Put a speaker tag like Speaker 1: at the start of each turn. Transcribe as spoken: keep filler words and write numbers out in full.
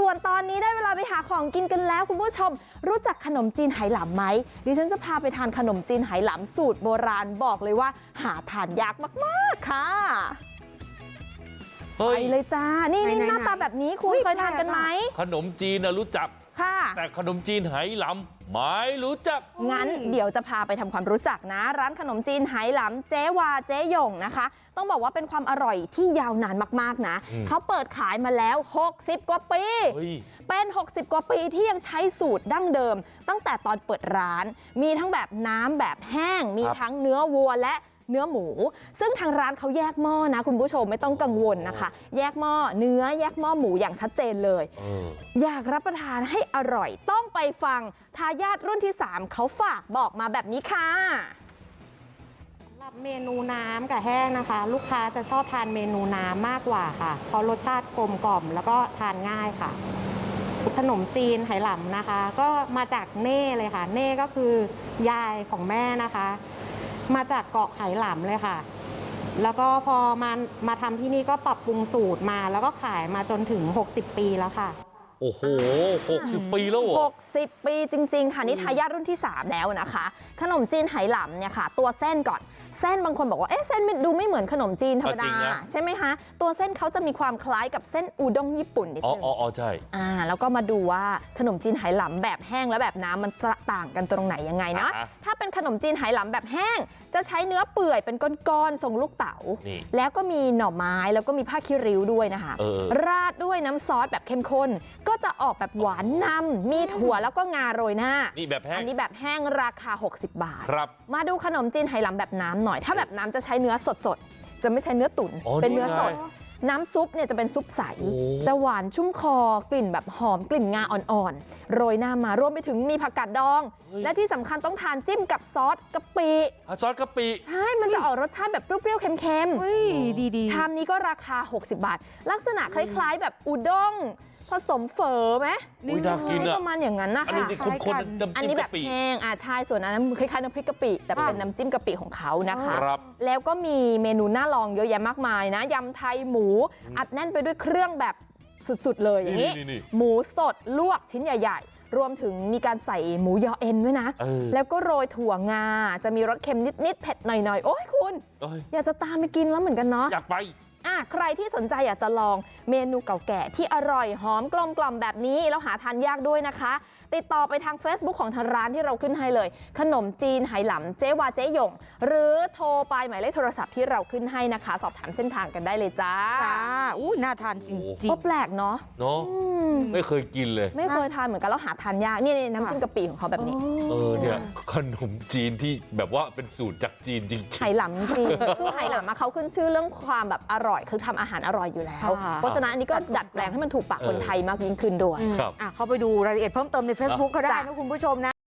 Speaker 1: วนตอนนี้ได้เวลาไปหาของกินกันแล้วคุณผู้ชมรู้จักขนมจีนไหหลำไหมดิฉันจะพาไปทานขนมจีนไหหลำสูตรโบราณบอกเลยว่าหาทานยากมากๆค่ะไปเลยจ้านี่นี่หน้าตาแบบนี้คุณเคยทานกันไหม
Speaker 2: ขนมจีนนะรู้จัก
Speaker 1: ค่ะ
Speaker 2: แต่ขนมจีนไหหลำไม่รู้จัก
Speaker 1: งั้นเดี๋ยวจะพาไปทำความรู้จักนะร้านขนมจีนไหหลำเจ๊วาเจ๊หยงนะคะต้องบอกว่าเป็นความอร่อยที่ยาวนานมากๆนะเขาเปิดขายมาแล้วหกสิบกว่าปีเป็นหกสิบกว่าปีที่ยังใช้สูตรดั้งเดิมตั้งแต่ตอนเปิดร้านมีทั้งแบบน้ำแบบแห้งมีทั้งเนื้อวัวและเนื้อหมูซึ่งทางร้านเขาแยกหม้อนะคุณผู้ชมไม่ต้องกังวลนะคะแยกหม้อเนื้อแยกหม้อหมูอย่างชัดเจนเลยอยากรับประทานให้อร่อยต้องไปฟังทายาทรุ่นที่สามเขาฝากบอกมาแบบนี้ค่ะ
Speaker 3: สำหรับเมนูน้ำกับแห้งนะคะลูกค้าจะชอบทานเมนูน้ำมากกว่าค่ะเพราะรสชาติกลมกล่อมแล้วก็ทานง่ายค่ะขนมจีนไหหลำนะคะก็มาจากเน่เลยค่ะเน่ก็คือยายของแม่นะคะมาจากเกาะไหหลำเลยค่ะแล้วก็พอมามาทำที่นี่ก็ปรับปรุงสูตรมาแล้วก็ขายมาจนถึงหกสิบปีแล้วค่ะ
Speaker 2: โอ้โหหกสิบปีแล้วเหรอ
Speaker 1: หกสิบปีจริงๆค่ะนี่ทายาทรุ่นที่สามแล้วนะคะขนมจีนไหหลำเนี่ยค่ะตัวเส้นก่อนเส้นบางคนบอกว่าเอ๊ะเส้นดูไม่เหมือนขนมจีนธรรมดาใช่ไหมคะตัวเส้นเขาจะมีความคล้ายกับเส้นอูด้งญี่ปุ่นนิดนึง
Speaker 2: อ๋ออ๋อใช่
Speaker 1: อ่าแล้วก็มาดูว่าขนมจีนไหหลำแบบแห้งและแบบน้ำมันต่างกันตรงไหนยังไงนะถ้าเป็นขนมจีนไหหลำแบบแห้งจะใช้เนื้อเปื่อยเป็นก้อนๆทรงลูกเต๋าแล้วก็มีหน่อไม้แล้วก็มีผ้าคีริ้วด้วยนะคะราดด้วยน้ำซอสแบบเข้มข้นก็จะออกแบบหวานนำมีถั่วแล้วก็งาโรยหน้า
Speaker 2: นี่แบบแห้ง
Speaker 1: อันนี้แบบแห้งราคาหกสิบบาท
Speaker 2: ครับมา
Speaker 1: ดูขนมจีนไหหลำแบบน้ำหน่อยถ้าแบบน้ำจะใช้เนื้อสดๆจะไม่ใช้เนื้อตุ๋นเป็นเนื้อสดน้ำซุปเนี่ยจะเป็นซุปใสจะหวานชุ่มคอกลิ่นแบบหอมกลิ่นงาอ่อนๆโรยหน้ามารวมไปถึงมีผักกาดดองและที่สำคัญต้องทานจิ้มกับซอสกะปิ
Speaker 2: ซอสกะปิ
Speaker 1: ใช่มันจะออกรสชาติแบบเปรี้ยวๆเค็มๆชามนี้ก็ราคาหกสิบบาทลักษณะคล้ายๆแบบอุด้งผสมเฝอไหม
Speaker 2: นี่น่ากินอะ
Speaker 1: ประมาณอย่างนั้นนะคะอันนี้แบบแห้งอ่าใช่ส่วนอันนั้นคล้ายๆน้ำพริกกะปิแต่เป็นน้ำจิ้มกะปิของเขานะคะแล้วก็มีเมนูน่าลองเยอะแยะมากมายนะยำไทยหมูอัดแน่นไปด้วยเครื่องแบบสุดๆเลยอย่างนี้หมูสดลวกชิ้นใหญ่ๆรวมถึงมีการใส่หมูยอเอ็นด้วยนะแล้วก็โรยถั่วงาจะมีรสเค็มนิดๆเผ็ดหน่อยๆโอ้ยคุณอยากจะตามไปกินแล้วเหมือนกันเนาะ
Speaker 2: อยากไป
Speaker 1: อ่ะใครที่สนใจอยากจะลองเมนูเก่าแก่ที่อร่อยหอมกลมกล่อมแบบนี้แล้วหาทานยากด้วยนะคะติดต่อไปทาง Facebook ของทางร้านที่เราขึ้นให้เลยขนมจีนไหหลำเจ๊วาเจ๊หยงหรือโทรไปหมายเลขโทรศัพท์ที่เราขึ้นให้นะคะสอบถามเส้นทางกันได้เลยจ้า
Speaker 4: จ้าอู้น่าทานจริงๆ
Speaker 1: ก็แปลกเนาะ
Speaker 2: เนาะไม่เคยกินเลย
Speaker 1: ไม่เคยทานเหมือนกันแล้วหาทานยากนี่น้ำจิ้มกะปิของเขาแบบนี้
Speaker 2: เออเนี่ยขนมจีนที่แบบว่าเป็นสูตรจากจีนจริง
Speaker 1: ๆไหหลำจริงคือไหหลำเขาขึ้นชื่อเรื่องความแบบอร่อยคือทำอาหารอร่อยอยู่แล้วเพราะฉะนั้นอันนี้ก็ดัดแปลงให้มันถูกปากคนไทยมากยิ่งขึ้นด้วย
Speaker 4: เข้าไปดูรายละเอียดเพิ่มเติมใน Facebook ก็ได้นะคุณผู้ชมนะ